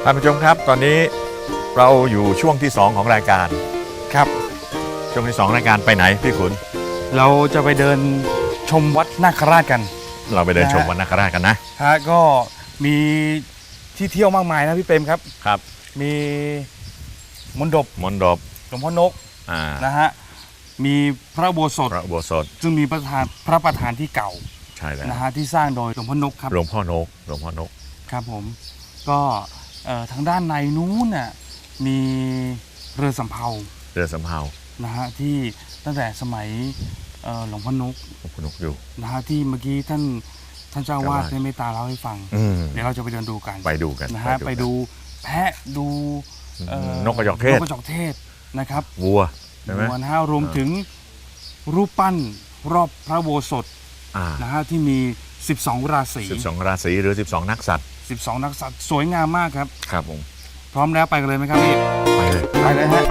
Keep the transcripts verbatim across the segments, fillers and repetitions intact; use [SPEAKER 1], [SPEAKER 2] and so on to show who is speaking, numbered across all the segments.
[SPEAKER 1] ท่านผู้ชมครับตอนนี้เราอยู่ช่วงที่สองของรายการครับช่วงที่สองรายการไปไหนพี่ขุน
[SPEAKER 2] เราจะไปเดินชมวัดนาคราชกัน
[SPEAKER 1] เราไปเดินชมวัดนาคราชกันนะ
[SPEAKER 2] ฮะก็มีที่เที่ยวมากมายนะพี่เปรมครับ
[SPEAKER 1] ครับ
[SPEAKER 2] มีมณฑป
[SPEAKER 1] มณฑป
[SPEAKER 2] หลวงพ่อนกนะฮะมีพระอุโบสถ
[SPEAKER 1] พระอุโบสถ
[SPEAKER 2] ซึ่งมีประธานพระประธานที่เก่า
[SPEAKER 1] ใช่แล้ว
[SPEAKER 2] นะฮะที่สร้างโดยหลวงพ่อนกครับ
[SPEAKER 1] หลวงพ่อนกหลวงพ่อนก
[SPEAKER 2] ครับผมก็ทางด้านในนู้นน่ะมีเรือสำเภา
[SPEAKER 1] เรือสำเภา
[SPEAKER 2] นะฮะที่ตั้งแต่สมัยหลวงพ่อนก
[SPEAKER 1] หลวงพ่อนกอยู่
[SPEAKER 2] นะฮะที่เมื่อกี้ท่านท่านเจ้าวาดได้เมตตาเล่าให้ฟังเดี๋ยวเราจะไปเดินดูกัน
[SPEAKER 1] ไปดูกัน
[SPEAKER 2] นะฮะไปดูแพะดู
[SPEAKER 1] นกกระจอกเทศ
[SPEAKER 2] นกกระจอกเทศนะครับ
[SPEAKER 1] วัวใช่ไหม
[SPEAKER 2] วัวนะฮะรวมถึงรูปปั้นรอบพระโบสถนะฮะที่มีสิบสองราศี
[SPEAKER 1] สิบสองราศีหรือสิบสองนักสัตว์
[SPEAKER 2] สิบสองนักสัตว์สวยงามมากครับ
[SPEAKER 1] ครับผม
[SPEAKER 2] พร้อมแล้วไปกันเลยไหมครับพี่
[SPEAKER 1] ไปเลย
[SPEAKER 2] ไปเลยฮะ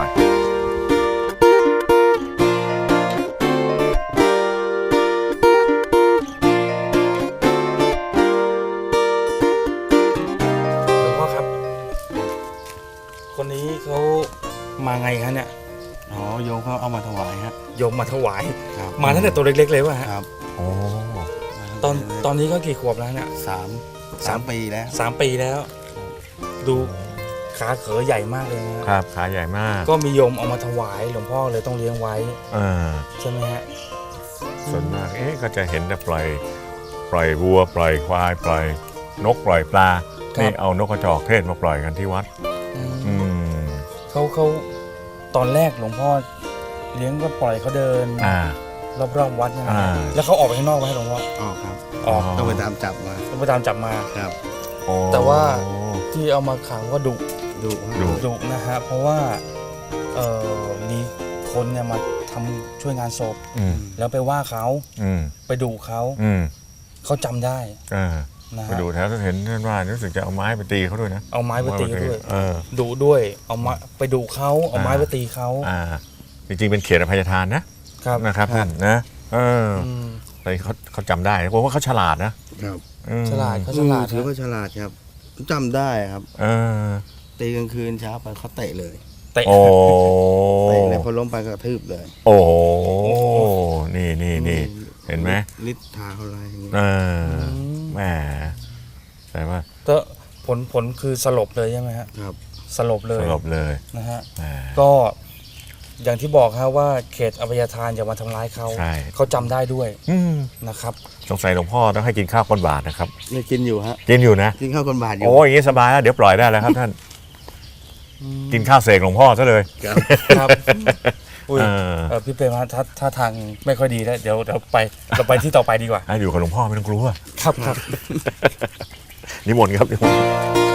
[SPEAKER 2] คนนี้เขามาไงฮะเนี่ย
[SPEAKER 3] อ๋อโยมเขาเอามาถวายฮะ
[SPEAKER 2] โยมมาถวายมาตั้งแต่ตัวเล็กๆเลยวะฮะ
[SPEAKER 3] ครับ
[SPEAKER 1] โอ้
[SPEAKER 2] ตอนตอนนี้ก็กี่ขวบแล้วเนี่ย
[SPEAKER 3] สามสามปีแล้ว
[SPEAKER 2] สามปีแล้วดูขาเขอใหญ่มากเลยนะครับ
[SPEAKER 1] ขาใหญ่มาก
[SPEAKER 2] ก็มีโยมเอามาถวายหลวงพ่อเลยต้องเลี้ยงไว้ใช่ไหมฮะ
[SPEAKER 1] ส่วนมากเอ๊ะก็จะเห็นแต่ปล่อยปล่อยวัวปล่อยควายปล่อยนกปล่อยปลานี่เอานกกระจอกเทศมาปล่อยกันที่วัด
[SPEAKER 2] เขาเขาตอนแรกหลวงพ่อเลี้ยงก็ปล่อยเขาเดินรอบๆวัดนะแล้วเขาออกไปข้างนอกไหมหลวงพ่อ
[SPEAKER 3] ออกครับ
[SPEAKER 2] ออก
[SPEAKER 3] ต้องไปตามจับมา
[SPEAKER 2] ต้องไปตามจับมา
[SPEAKER 3] ครับ
[SPEAKER 2] แต่ว่าที่เอามาขังก็ดุ
[SPEAKER 3] ดุ
[SPEAKER 2] ดุนะฮะเพราะว่าเออมีคนเนี่ยมาทำช่วยงานศพแล้วไปว่าเขาไปดุเขาเขาจำได้
[SPEAKER 1] ไปดูแถวเห็นท่านว่ารู้สึกจะเอาไม้ไปตีเขาด้วยนะ
[SPEAKER 2] เอาไม้ไปตีเขาด้วยดุด้วยเอาไม้ไปดุเขาเอาไม้ไปตีเขา
[SPEAKER 1] จริงๆเป็นเขตอภัยทานนะครับนะครับท่านนะเออแต่เขาเขาจำได้เพราะว่าเขาฉลาดนะครับ
[SPEAKER 2] ฉลาดเขาฉลาด
[SPEAKER 3] ถือว่าฉลาดครับจำได้ครับ
[SPEAKER 1] เออ
[SPEAKER 3] ตีกลางคืนเช้าไปเขาเตะเลย
[SPEAKER 2] เตะ
[SPEAKER 1] โอ้
[SPEAKER 3] เตะเลยพอล้มไปก็กระทืบเลย
[SPEAKER 1] โอ้นี่นี่นี่เห็นไหม
[SPEAKER 3] ฤทธิ์ทาเขาอะไรอย่างเงี้ย
[SPEAKER 1] เออแหมแต่ว่า
[SPEAKER 2] ก็ผลผลคือสลบเลยใช่ไหมฮะ
[SPEAKER 3] ครับ
[SPEAKER 2] สลบเลย
[SPEAKER 1] สลบเลย
[SPEAKER 2] นะฮะก็อย่างที่บอกครับว่าเขตอภัยทานอย่ามาทำร้ายเขาเขาจำได้ด้วยนะครับ
[SPEAKER 1] สงสัยหลวงพ่อต้องให้กินข้าวก้นบาทนะครับ
[SPEAKER 3] นี่กินอยู่ฮะ
[SPEAKER 1] กินอยู่นะ
[SPEAKER 3] กินข้าวก้นบาทอยู่
[SPEAKER 1] โอ้ยอย่างนี้สบายแล้วเดี๋ยวปล่อยได้แล้วครับท่านกินข้าวเสกหลวงพ่อซะเลย
[SPEAKER 2] ครับอุ้ยพี่เปรมถ้าถ้าทางไม่ค่อยดีแล้วเดี๋ยวเดี๋ยวไปเราไปที่ต่อไปดีกว่า
[SPEAKER 1] อยู่กับหลวงพ่อไม่ต้องกลัว
[SPEAKER 2] ครับครับ
[SPEAKER 1] นิมนต์ครับนิมนต์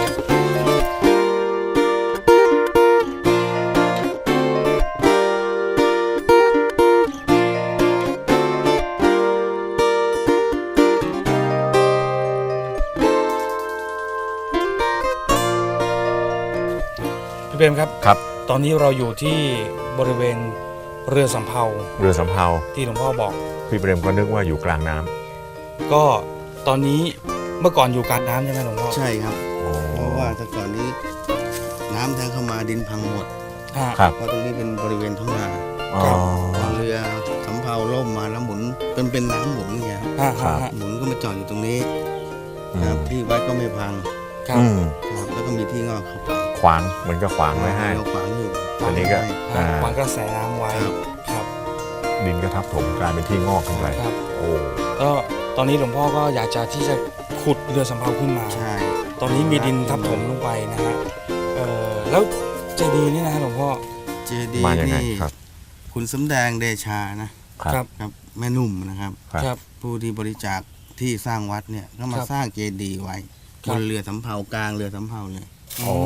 [SPEAKER 2] พี่เปรมครับ
[SPEAKER 1] ครับ
[SPEAKER 2] ตอนนี้เราอยู่ที่บริเวณเรือสำเภา
[SPEAKER 1] เรือสำเภา
[SPEAKER 2] ที่หลวงพ่อบอก
[SPEAKER 1] พี่เปรมก็นึกว่าอยู่กลางน้ำ
[SPEAKER 2] ก็ตอนนี้เมื่อก่อนอยู่กลางน้ำใช่ไหมหลวงพ่อ
[SPEAKER 3] ใช่ครับเพราะว่าแต่ก่อนนี้น้ำแทงเข้ามาดินพังหมด
[SPEAKER 1] ครับ
[SPEAKER 3] เพราะตรงนี้เป็นบริเวณท้องนาเรือสำเภาล่มมาแล้วหมุนเป็นเป็นน้ำหมุนอย่างเงี้ยหมุนก็มาจอดอยู่ตรงนี้ครับที่วัดก็ไม่พัง
[SPEAKER 2] ครับ
[SPEAKER 3] แล้วก็มีที่งอกเข้าไป
[SPEAKER 1] ขวางเหมือนกับขวางไว้ให้
[SPEAKER 3] ขวางอยู่
[SPEAKER 1] ตอนนี้ก็
[SPEAKER 2] ขวางกระแสน้ำไว้ครับ
[SPEAKER 1] ดินก็ทับถมกลายเป็นที่งอกขึ้นไปโอ้
[SPEAKER 2] ก็ตอนนี้หลวงพ่อก็อยากจะที่จะขุดเรือสำเภาขึ้นมา
[SPEAKER 3] ใช่
[SPEAKER 2] ตอนนี้มีดินทับถมลงไปนะฮะเออแล้วเจดีย์นี่นะหลวงพ่อ
[SPEAKER 3] เจดีย์นี่คุณสำแดงเดชานะครับครับแม่นุ่มนะครับ
[SPEAKER 2] ครับ
[SPEAKER 3] ผู้ที่บริจาคที่สร้างวัดเนี่ยก็มาสร้างเจดีย์ไว้บนเรือสำเภากลางเรือสำเภาเลย
[SPEAKER 1] โอ้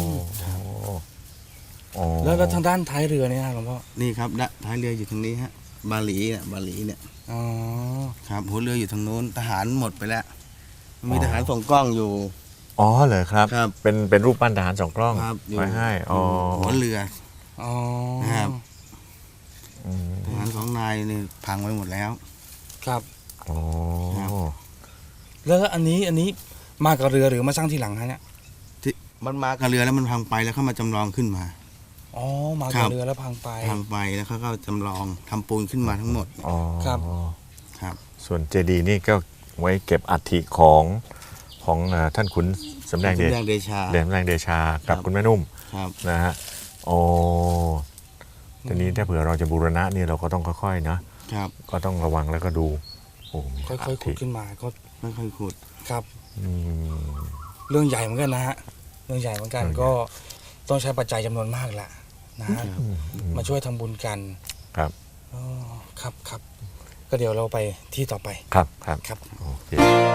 [SPEAKER 2] แล้วแล้วทางด้านท้ายเรือเนี่ยหลวงพ่อ
[SPEAKER 3] นี่ครับท้ายเรืออยู่ทางนี้ฮะบาหลีเนี่ยบาหลีเนี่ย
[SPEAKER 2] อ๋อ
[SPEAKER 3] ครับหัวเรืออยู่ทางโน้นทหารหมดไปแล้วมีทหารส่องกล้องอยู่
[SPEAKER 1] อ๋อเหรอครับ
[SPEAKER 3] ครับ
[SPEAKER 1] เป็นเป็นรูปปั้นทหารส่องกล้องไว้ให้อ๋อ
[SPEAKER 3] หัวเรือ
[SPEAKER 2] อ๋อ
[SPEAKER 3] ครับทหารสองนายนี่พังไปหมดแล้ว
[SPEAKER 2] ครับ
[SPEAKER 1] อ๋อ
[SPEAKER 2] แล้วอันนี้อันนี้มากับเรือหรือมาสร้างทีหลังฮะเนี่ย
[SPEAKER 3] มันมากับเรือแล้วมันพังไปแล้วเขามาจำลองขึ้นมา
[SPEAKER 2] อ๋อมา
[SPEAKER 3] ครั
[SPEAKER 2] กับบ เรือแล้วพังไป
[SPEAKER 3] พังไปแล้วเขาก็จำลองทำปูนขึ้นมาทั้งหมด
[SPEAKER 1] อ๋อ
[SPEAKER 2] ครับ
[SPEAKER 3] ครับ
[SPEAKER 1] ส่วนเจดีย์นี่ก็ไว้เก็บอัฐิของของอ่าท่านขุนสำแดงเดช
[SPEAKER 3] สำแดงเดชา
[SPEAKER 1] เดชสำแดงเดชากับ
[SPEAKER 3] ครับ
[SPEAKER 1] คุณแม่นุ่ม
[SPEAKER 3] ครับ
[SPEAKER 1] นะฮะโอ้ทีนี้ถ้าเผื่อเราจะบูรณะนี่เราก็ต้องค่อยๆนะครับ ก็ต้องระวังแล้วก็ดูโอ้มี
[SPEAKER 2] ค่อยๆขุดขึ้นมาก็
[SPEAKER 3] ไม่ค่อยขุด
[SPEAKER 2] ครับ
[SPEAKER 1] อืม
[SPEAKER 2] เรื่องใหญ่เหมือนกันนะฮะเรื่องใหญ่เหมือนกัน
[SPEAKER 1] เรื่องใหญ่
[SPEAKER 2] ก็ต้องใช้ปัจจัยจำนวนมากแหละนะฮะ
[SPEAKER 3] ครับ
[SPEAKER 2] มาช่วยทำบุญกัน
[SPEAKER 1] ครับ
[SPEAKER 2] อ๋อครับครับก็เดี๋ยวเราไปที่ต่อไป
[SPEAKER 1] ครับครับ
[SPEAKER 2] ครับ
[SPEAKER 1] โอเค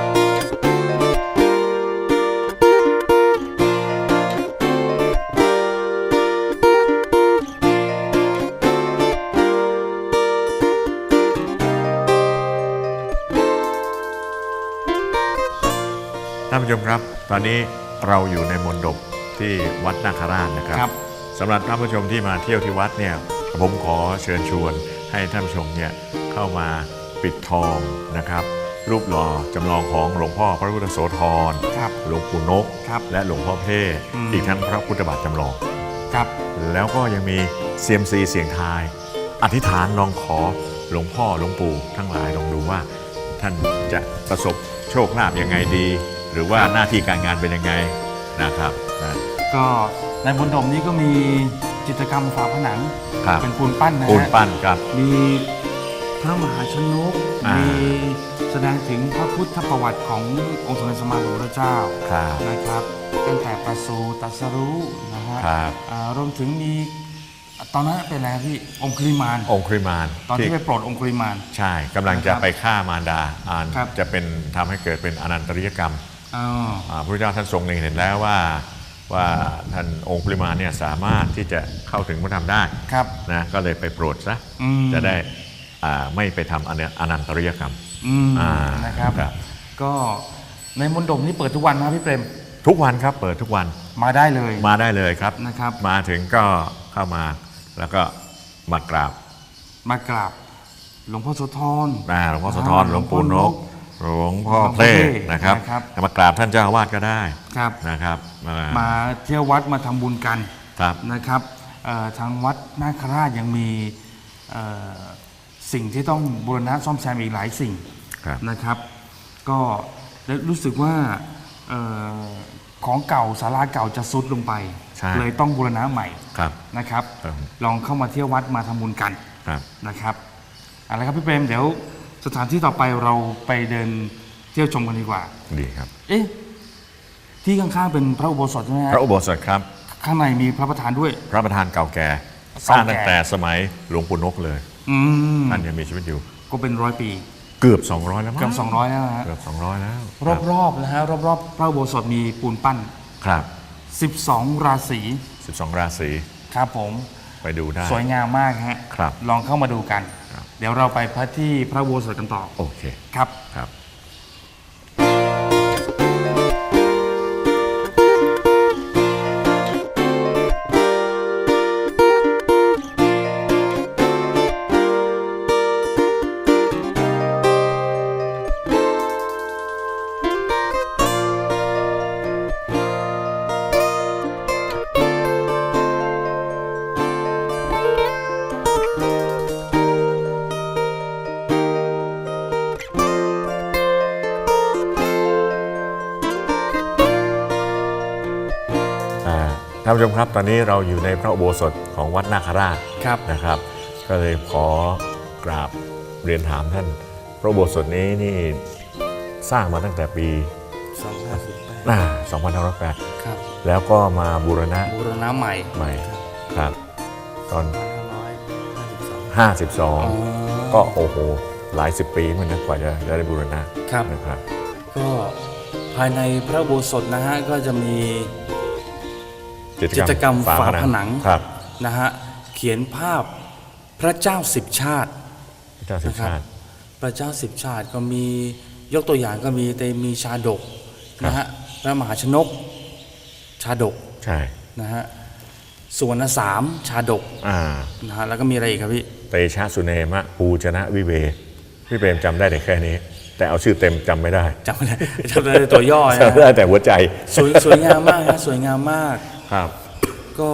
[SPEAKER 1] ท่านผู้ชมครับตอนนี้เราอยู่ในมณฑปที่วัดนาคราชนะครับ
[SPEAKER 2] ครับ
[SPEAKER 1] สำหรับท่านผู้ชมที่มาเที่ยวที่วัดเนี่ยผมขอเชิญชวนให้ท่านผู้ชมเนี่ยเข้ามาปิดทองนะครับ รูปหล่อจำลองของหลวงพ่อพระพุทธโสธร
[SPEAKER 2] ครับ
[SPEAKER 1] หลวงปู่นก
[SPEAKER 2] ครับ
[SPEAKER 1] และหลวงพ่อเพ่
[SPEAKER 2] อืม
[SPEAKER 1] อีกทั้งพระพุทธบาทจำลอง
[SPEAKER 2] ครับ
[SPEAKER 1] แล้วก็ยังมีเซียมซีเสียงทาย อธิษฐานลองขอหลวงพ่อหลวงปู่ทั้งหลายลองดูว่า ท่านจะประสบโชคลาภยังไงดี หรือว่าหน้าที่การงานเป็นยังไงนะครับนะ
[SPEAKER 2] ก็ในบนดมนี้ก็มีจิตรกรรมฝาผนัง
[SPEAKER 1] ครับ
[SPEAKER 2] เป็นปูนปั้นนะ
[SPEAKER 1] ปูน
[SPEAKER 2] ฮะ
[SPEAKER 1] ปั้นครับ
[SPEAKER 2] มีพระมหาชนก
[SPEAKER 1] อ่ามี
[SPEAKER 2] มีแสดงถึงพระพุทธประวัติขององค์สมเด็จสมมาสัมพุทธเจ้า
[SPEAKER 1] ครับ
[SPEAKER 2] นะครับตั้งแต่ประสูติตรัสรู้นะฮะ
[SPEAKER 1] ครับ
[SPEAKER 2] อ่ารวมถึงมีตอนนั้นเป็นอะไรครับพี่องคุลิมาน
[SPEAKER 1] องคุริมาน
[SPEAKER 2] ตอนที่ไปโปรดองคุลิมาน
[SPEAKER 1] ใช่กำลังจะ
[SPEAKER 2] นะครับ
[SPEAKER 1] ไปฆ่ามารดาอ่าน
[SPEAKER 2] ครับ
[SPEAKER 1] จะเป็นทำให้เกิดเป็นอนันตริยกรรม
[SPEAKER 2] อ๋อ
[SPEAKER 1] อ่าพระพุทธเจ้าท่านทรงเล็งเห็นแล้วว่าว่าท่านองคุริมานเนี่ยสามารถที่จะเข้าถึงพระธรรมได้
[SPEAKER 2] ครับ
[SPEAKER 1] นะก็เลยไปโปรดซะ
[SPEAKER 2] อืม
[SPEAKER 1] จะได้อ่าไม่ไปทำอนันอนันตริยกรรม
[SPEAKER 2] อืม
[SPEAKER 1] อ่า
[SPEAKER 2] นะครับ
[SPEAKER 1] ครับ
[SPEAKER 2] ก็ในมณฑปนี้เปิดทุกวันนะครับพี่เปรม
[SPEAKER 1] ทุกวันครับเปิดทุกวัน
[SPEAKER 2] มาได้เลย
[SPEAKER 1] มาได้เลยครับ
[SPEAKER 2] นะครับ
[SPEAKER 1] มาถึงก็เข้ามาแล้วก็มากราบ
[SPEAKER 2] มากราบหลวงพ่อโสธร
[SPEAKER 1] อ่าหลวงพ่อโสธร
[SPEAKER 2] อ่า
[SPEAKER 1] หลวงปู่นก หลวงพ่อ
[SPEAKER 2] หลวงพ่อ
[SPEAKER 1] เพล
[SPEAKER 2] เพล
[SPEAKER 1] นะครับ
[SPEAKER 2] นะครับ
[SPEAKER 1] มากราบท่านเจ้าอาวาสก็ได้
[SPEAKER 2] ครับ
[SPEAKER 1] นะครับมา
[SPEAKER 2] มาเที่ยววัดมาทำบุญกัน
[SPEAKER 1] ครับ
[SPEAKER 2] นะครับเอ่อทางวัดนาคราชยังมีเอ่อสิ่งที่ต้องบูรณะซ่อมแซมอีกหลายสิ่ง
[SPEAKER 1] ครับ
[SPEAKER 2] นะครับ ก็รู้สึกว่าเออของเก่าศาลาเก่าจะซุดลงไป
[SPEAKER 1] ใช่
[SPEAKER 2] เลยต้องบูรณะใหม่
[SPEAKER 1] ครับ
[SPEAKER 2] นะครับ
[SPEAKER 1] ครับ
[SPEAKER 2] ลองเข้ามาเที่ยววัดมาทำบุญกัน
[SPEAKER 1] ครับ
[SPEAKER 2] นะครับเอาละครับพี่เปรมเดี๋ยวสถานที่ต่อไปเราไปเดินเที่ยวชมกันดีกว่า
[SPEAKER 1] ดีครับ
[SPEAKER 2] เอ๊ะที่ข้างๆเป็นพระอุโบสถใช่ไหมฮะ
[SPEAKER 1] พระอุโบสถครับ
[SPEAKER 2] ข้างในมีพระประธานด้วย
[SPEAKER 1] พระประธานเก่าแก่ส
[SPEAKER 2] เก่า
[SPEAKER 1] ร้าง
[SPEAKER 2] แก่
[SPEAKER 1] ตั้งแต่สมัยหลวงปู่นกเลย
[SPEAKER 2] อืม
[SPEAKER 1] ท่านยังมีชีวิตอยู่
[SPEAKER 2] ก็เป็นร้อยปี
[SPEAKER 1] เกือบสองร้อยแล้วมั้ง
[SPEAKER 2] เกือบสองร้อยแล้วนะฮะ
[SPEAKER 1] เกือบสองร้อยแล้ว
[SPEAKER 2] รอบๆนะฮะรอบๆพระอุโบสถมีปูนปั้น
[SPEAKER 1] ครับ
[SPEAKER 2] สิบสอง ราศี
[SPEAKER 1] สิบสองราศี
[SPEAKER 2] ครับผม
[SPEAKER 1] ไปดูได้
[SPEAKER 2] สวยงามมากฮะ
[SPEAKER 1] ครับ
[SPEAKER 2] ลองเข้ามาดูกัน
[SPEAKER 1] ครับ
[SPEAKER 2] เดี๋ยวเราไปพระที่พระอุโบสถกันต่อ
[SPEAKER 1] โอเค
[SPEAKER 2] ครับ
[SPEAKER 1] ครับ อ่าท่านผู้ชมครับตอนนี้เราอยู่ในพระอุโบสถของวัดนาคราช
[SPEAKER 2] ครับ
[SPEAKER 1] นะครับ ก็เลยขอกราบเรียนถามท่านพระอุโบสถนี้นี่สร้างมาตั้งแต่ปี
[SPEAKER 2] สองห้าสิบแปด
[SPEAKER 1] อ่าสองพันห้าร้อยแปด
[SPEAKER 2] ครับ
[SPEAKER 1] แล้วก็มาบูรณะ
[SPEAKER 2] บูรณะใหม่
[SPEAKER 1] ใหม่ครับ ตอน
[SPEAKER 2] ห้าสิบสอง
[SPEAKER 1] ห้าสิบสองก็โอ้โหหลายสิบปีเหมือนกันกว่าจะได้บูรณะ
[SPEAKER 2] ครับ
[SPEAKER 1] นะครับ
[SPEAKER 2] ก็ภายในพระอุโบสถนะฮะก็จะมี จิตรกรรมฝาผนัง
[SPEAKER 1] ครับ
[SPEAKER 2] นะฮะเขียนภาพพระเจ้าสิบชาติ
[SPEAKER 1] พระเจ้าสิบ
[SPEAKER 2] นะครับ
[SPEAKER 1] ชาติ
[SPEAKER 2] พระเจ้าสิบชาติก็มียกตัวอย่างก็มีแต่มีชาดก
[SPEAKER 1] ครับ
[SPEAKER 2] นะฮะพระมหาชนก ชาดก
[SPEAKER 1] ใช่
[SPEAKER 2] นะฮะสุวรรณสามชาดก
[SPEAKER 1] อ่า
[SPEAKER 2] นะฮะแล้วก็มีอะไรอีกครับพี่
[SPEAKER 1] เตชะสุเนมะปูจนะวิเว พี่เปรมจำได้แต่แค่นี้แต่เอาชื่อเต็มจำไม่ได้
[SPEAKER 2] จำไม่ได้จำได้แต่ตัวย่อนะ
[SPEAKER 1] จำได้แต่หัวใจ
[SPEAKER 2] สวยสวยงามมากนะสวยงามมาก
[SPEAKER 1] ครับ
[SPEAKER 2] ก็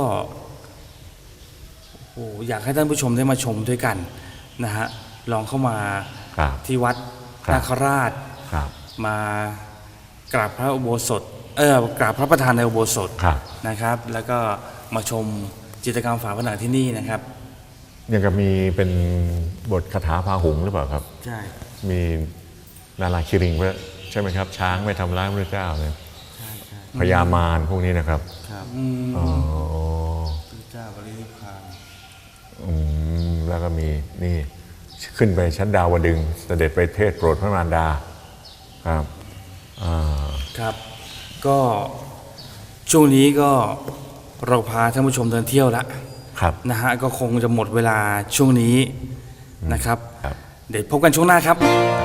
[SPEAKER 2] โอ้โหอยากให้ท่านผู้ชมได้มาชมด้วยกันนะฮะลองเข้ามา
[SPEAKER 1] ครับ
[SPEAKER 2] ที่วัด
[SPEAKER 1] ครับ
[SPEAKER 2] นาคราช
[SPEAKER 1] ครับ
[SPEAKER 2] มากราบพระอุโบสถเออกราบพระประธานในอุโบสถ
[SPEAKER 1] ครับ
[SPEAKER 2] นะครับ แล้วก็มาชมจิตรกรรมฝาผนังที่นี่นะครับ
[SPEAKER 1] ยังกับมีเป็นบทคาถาพาหุงหรือเปล่าครับ
[SPEAKER 2] ใช่
[SPEAKER 1] มีนาราคิริงไว้ใช่ไหมครับ ช้างไม่ทำร้ายพระเจ้าเนี่ยพญามารพวกนี้นะครับ
[SPEAKER 2] ครับ
[SPEAKER 1] อ๋อ
[SPEAKER 2] พระเจ้าบรินิพพาน
[SPEAKER 1] อืมแล้วก็มีนี่ขึ้นไปชั้นดาวดึงส์เสด็จไปเทศโปรดพระมารดาครับอ่า
[SPEAKER 2] ครับ ก็ช่วงนี้ก็เราพาท่านผู้ชมเดินเที่ยวแล้ว
[SPEAKER 1] ครับ
[SPEAKER 2] นะฮะก็คงจะหมดเวลาช่วงนี้นะครับ
[SPEAKER 1] ครับ
[SPEAKER 2] เดี๋ยวพบกันช่วงหน้าครับ
[SPEAKER 1] ครับ